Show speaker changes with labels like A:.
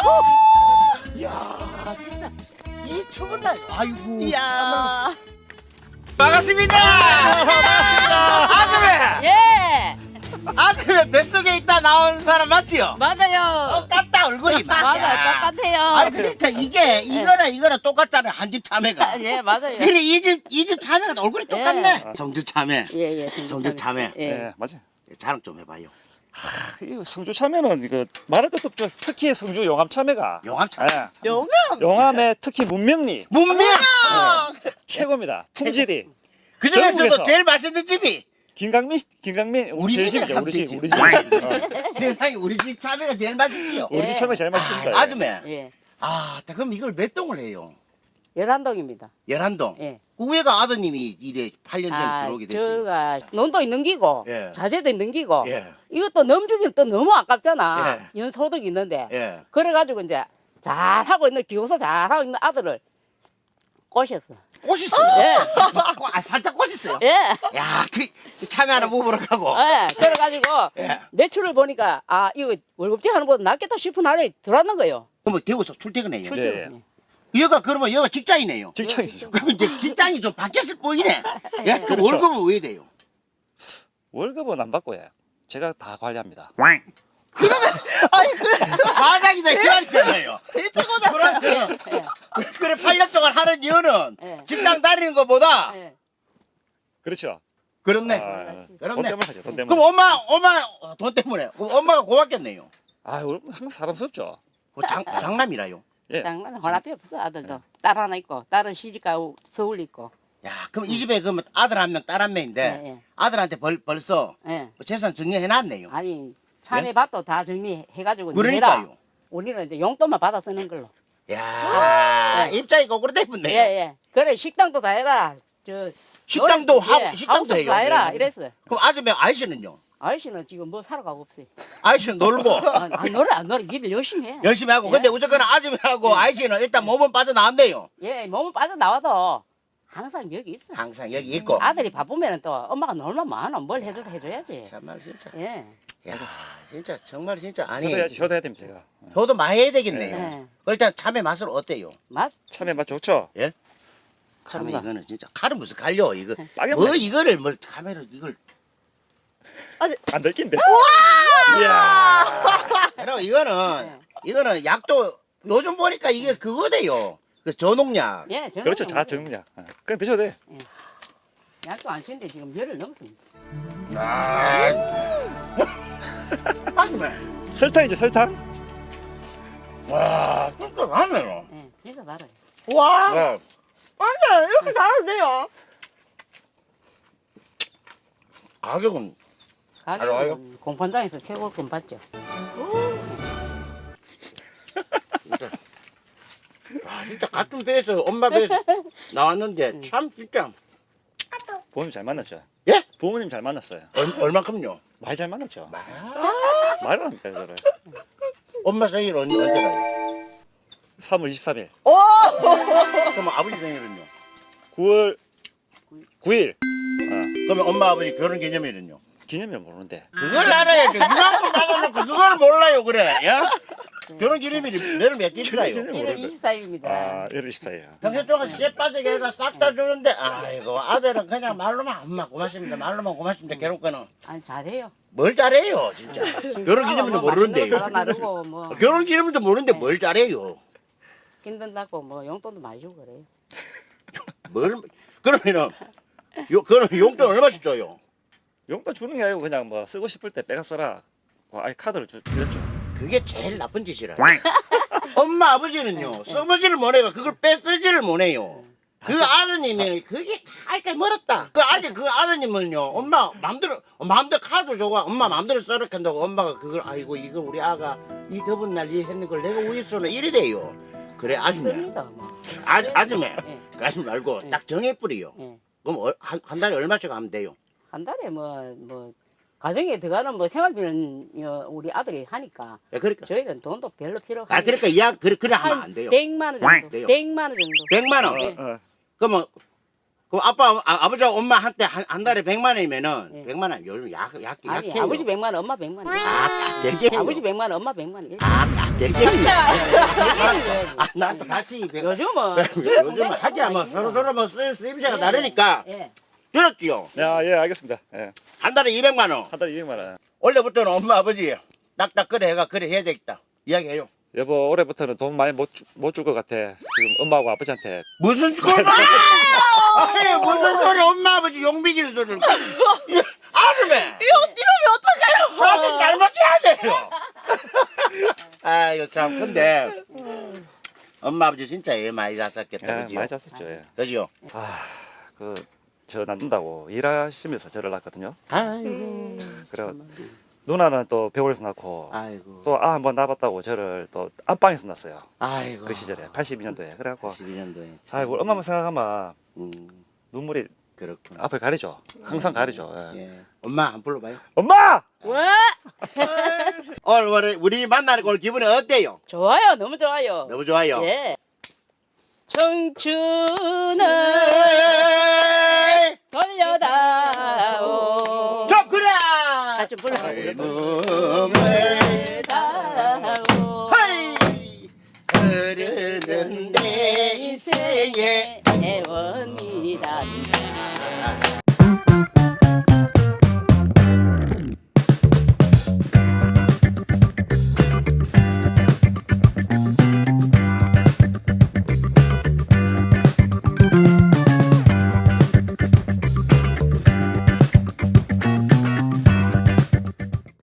A: 야 진짜 이 추운 날 아이고
B: 이야.
A: 반갑습니다. 아줌마
C: 예,
A: 아줌마 뱃속에 있다 나온 사람 맞지요?
C: 맞아요.
A: 똑같다 얼굴이
C: 맞아요, 똑같아요.
A: 아니 그러니까 이게 이거랑 똑같잖아요 한 집 참외가.
C: 네, 맞아요.
A: 그래 이 집 참외가 얼굴이 똑같네. 성주 참외.
C: 예, 예.
A: 성주 참외.
C: 예.
D: 네, 맞아요.
A: 자랑 좀 해봐요.
D: 이 성주 참외는 이거 말할 것도 없죠. 특히 성주 용암 참외가
A: 용암 참외.
B: 영암.
D: 용암의 특히 문명리
A: 문명.
D: 최고입니다. 품질이
A: 그 중에서도
D: 전국에서.
A: 제일 맛있는 집이
D: 김강민
A: 우리
D: 제일
A: 집이라
D: 집이죠.
A: 하면
D: 우리 집
A: 되지.
D: 우리 집.
A: 세상에 우리 집 참외가 제일 맛있지요.
D: 우리 집 참외 제일 맛있습니다.
A: 아줌마.
C: 예.
A: 아, 그럼 이걸 몇 동을 해요?
C: 열한동입니다.
A: 11동.
C: 예.
A: 그 위에가 아드님이 이래 8년 전에 들어오게 됐어요.
C: 저가 논도 있는 기고,
A: 예.
C: 자재도 있는 기고,
A: 예.
C: 이것도 넘주기는 또 너무 아깝잖아.
A: 예.
C: 연소득이 있는데.
A: 예.
C: 그래가지고 이제 잘하고 있는, 기호서 잘하고 있는 아들을 꼬셨어.
A: 꽃있어요.
C: 예.
A: 아, 살짝 꽃있어요.
C: 예.
A: 야, 그 참외 하나 먹으러 가고.
C: 예. 그래가지고
A: 예.
C: 매출을 보니까 아, 이거 월급제 하는 것보다 낫겠다 싶은 날에 들어왔는 거예요.
A: 그러면 대구에서 출퇴근해요.
C: 출퇴근.
A: 여가 그러면 여가 직장이네요.
D: 직장이죠.
A: 그러면 이제 직장이 좀 바뀌었을 뿐이네. 예? 그
D: 그렇죠.
A: 월급은 왜 돼요?
D: 월급은 안 받고요. 제가 다 관리합니다.
B: 아니 그래.
A: 사장이다 이 말이잖아요.
B: 제일 최고잖아.
A: 그래,
C: 예.
A: 그래 8년 동안 하는 이유는
C: 예.
A: 직장 다니는 것보다
C: 예.
D: 그렇죠.
A: 그렇네.
D: 아, 돈
A: 그렇네.
D: 때문에 하죠. 돈 때문에.
A: 그럼 엄마 돈 때문에. 그럼 엄마가 고맙겠네요.
D: 아, 항상 사람스럽죠.
A: 그 장남이라요.
D: 예.
C: 장난은 혼합이 없어 아들도. 딸 하나 있고, 딸은 시집가고 서울 있고.
A: 야, 그럼 이 집에 그러면 아들 한 명, 딸 한 명인데
C: 예, 예.
A: 아들한테 벌써
C: 예.
A: 재산 정리해놨네요.
C: 아니 참외 밭도 다 정리해가지고
A: 그러니까요.
C: 내라. 우리는 이제 용돈만 받아 쓰는 걸로.
A: 야, 입장이 거꾸로
C: 예,
A: 됐네요.
C: 예. 그래 식당도 다 해라. 저
A: 식당도
C: 노래-
A: 하고
C: 예,
A: 식당도
C: 하우스도
A: 해요.
C: 다 해라.
A: 네.
C: 이랬어요.
A: 그럼 아줌마 아저씨는요?
C: 아저씨는 지금 뭐 사러 가고 없어요.
A: 아저씨는 놀고
C: 안 놀아. 일을 열심히 해.
A: 열심히 하고.
C: 예.
A: 근데 어쨌거나 아줌마하고 아저씨는 일단 몸은 빠져나왔네요.
C: 예, 몸은 빠져나와도 항상 여기 있어.
A: 항상 여기 있고.
C: 아들이 바쁘면 또 엄마가 놀면 뭐하노. 뭘 해줘도 해줘야지.
A: 참말 진짜.
C: 예.
A: 야, 진짜 정말 진짜 아니.
D: 효도해야 됩니다. 제가.
A: 효도 많이 해야 되겠네요.
C: 예.
A: 일단 참외 맛은 어때요?
C: 맛?
D: 참외 맛 좋죠.
A: 예? 참외
C: 참외.
A: 이거는 진짜 칼은 무슨 갈려 이거.
D: 빨간
A: 뭐
D: 맛.
A: 이거를 뭘 카메라 이걸.
D: 안 들킨데. 이야.
A: 그리고 이거는 약도 요즘 보니까 이게 그거대요. 그 저농약.
C: 예, 저는
D: 그렇죠. 자정량. 그냥 드셔도 돼.
C: 약도 안 쓰는데 지금 열흘 넘습니다.
A: 아줌마.
D: 설탕이죠, 설탕.
A: 와, 끈끈하네요.
C: 예, 그래서 말아요.
B: 와.
A: 네.
B: 아니 이렇게 잘하세요.
A: 가격은 알아요?
C: 가격은 공판장에서 최고급 받죠.
A: 진짜 같은 배에서 엄마 배에서 나왔는데 참 진짜
D: 부모님 잘 만났죠.
A: 예?
D: 부모님 잘 만났어요.
A: 얼마큼요?
D: 많이 잘 만났죠. 말을 합니까, 저를.
A: 엄마 생일 언제가요?
D: 3월 23일.
B: 오.
A: 그러면 아버지 생일은요?
D: 9월 9일.
A: 그러면 엄마 아버지 결혼 기념일은요?
D: 기념일 모르는데.
A: 그걸 알아야죠. 이만큼 나가놓고 그걸 몰라요 그래. 야? 결혼 기념일이 내일 며칠이라요?
C: 1월 24일입니다.
D: 아, 1월 24일.
A: 평소 동안 쇠 빠지게 해가 싹 다 주는데 아이고 아들은 그냥 말로만 엄마 고맙습니다 말로만 고맙습니다 결혼권은
C: 아니 잘해요.
A: 뭘 잘해요 진짜 결혼 기념일도 모르는데요
C: 사다 나르고 뭐
A: 결혼 기념일도 모르는데 뭘 잘해요
C: 힘든다고 뭐 용돈도 많이 주고 그래요.
A: 뭘 그러면은 그럼 용돈 얼마씩 줘요?
D: 용돈 주는 게 아니고 그냥 뭐 쓰고 싶을 때 빼가 써라. 아예 카드를 드렸죠.
A: 그게 제일 나쁜 짓이라 엄마 아버지는요 써보지를 못해가 그걸 빼쓰지를 못해요 그 아드님이 그게 하여튼 멀었다 그 아직 그 아드님은요 엄마 마음대로 카드 줘가 엄마 마음대로 써라 한다고 엄마가 그걸 아이고 이거 우리 아가 이 더운 날 이 했는 걸 내가 우리 손에 이래 돼요 그래 아줌마
C: 씁니다 뭐.
A: 아줌마
C: 예.
A: 그러지 말고
C: 예.
A: 딱 정해뿌리요
C: 예.
A: 그럼 한 달에 얼마씩 하면 돼요?
C: 한 달에 뭐 가정에 들어가는 뭐 생활비는 우리 아들이 하니까
A: 예, 그러니까
C: 저희는 돈도 별로 필요 없고
A: 그러니까 그래 하면 안 돼요
C: 100만 원 정도.
A: 돼요.
C: 100만 원 정도.
A: 100만 원
C: 예.
D: 어.
A: 그러면 그럼 아버지 엄마 한때 한 달에 100만 원이면은
C: 예.
A: 100만 원 요즘 약해요.
C: 아니 아버지 100만 원, 엄마 100만 원.
A: 되게
C: 아버지 100만 원, 엄마 100만 원.
A: 되게
C: 얘기해줘야지.
A: 난 같이
C: 요즘은
A: 요즘은 하기야 뭐 서로 뭐 쓰임새가 다르니까
C: 예.
A: 들었지요.
D: 예, 알겠습니다. 예.
A: 한 달에 200만 원.
D: 한 달에 200만 원.
A: 원래부터는 엄마 아버지 딱딱 그래 해야 되겠다. 이야기해요.
D: 여보, 올해부터는 돈 많이 못 줄 것 같아. 지금 엄마하고 아버지한테.
A: 무슨 소리? 아니 무슨 소리? 엄마 아버지 용비기는 소리를. 아름에.
B: 이러면 어떡해요?
A: 사실 잘못해야 돼요. 아 이거 참 근데 엄마 아버지 진짜 애 많이 잤었겠다
D: 예,
A: 그죠?
D: 많이 잤었죠. 예.
A: 그죠?
D: 저 낳는다고 일하시면서 저를 낳거든요.
A: 아이고
D: 그래 누나는 또 병원에서 낳고
A: 아이고
D: 또 한번 낳았다고 저를 또 안방에서 낳았어요.
A: 아이고
D: 그 시절에 82년도에. 그래갖고
A: 12년도에
D: 아이고 엄마만 생각하면 눈물이
A: 그렇구나.
D: 앞을 가리죠. 항상 가리죠. 예.
A: 예. 엄마 한 번 불러봐요.
D: 엄마!
C: 왜?
A: 오늘 우리 만나는 오늘 기분이 어때요?
C: 좋아요, 너무 좋아요.
A: 너무 좋아요.
C: 예. 청춘은 돌려다오.
A: 저 그래.
C: 같이 불러.
A: 젊음을
C: 다오.
A: 하이 흐르는 내 인생에
C: 애원이란다.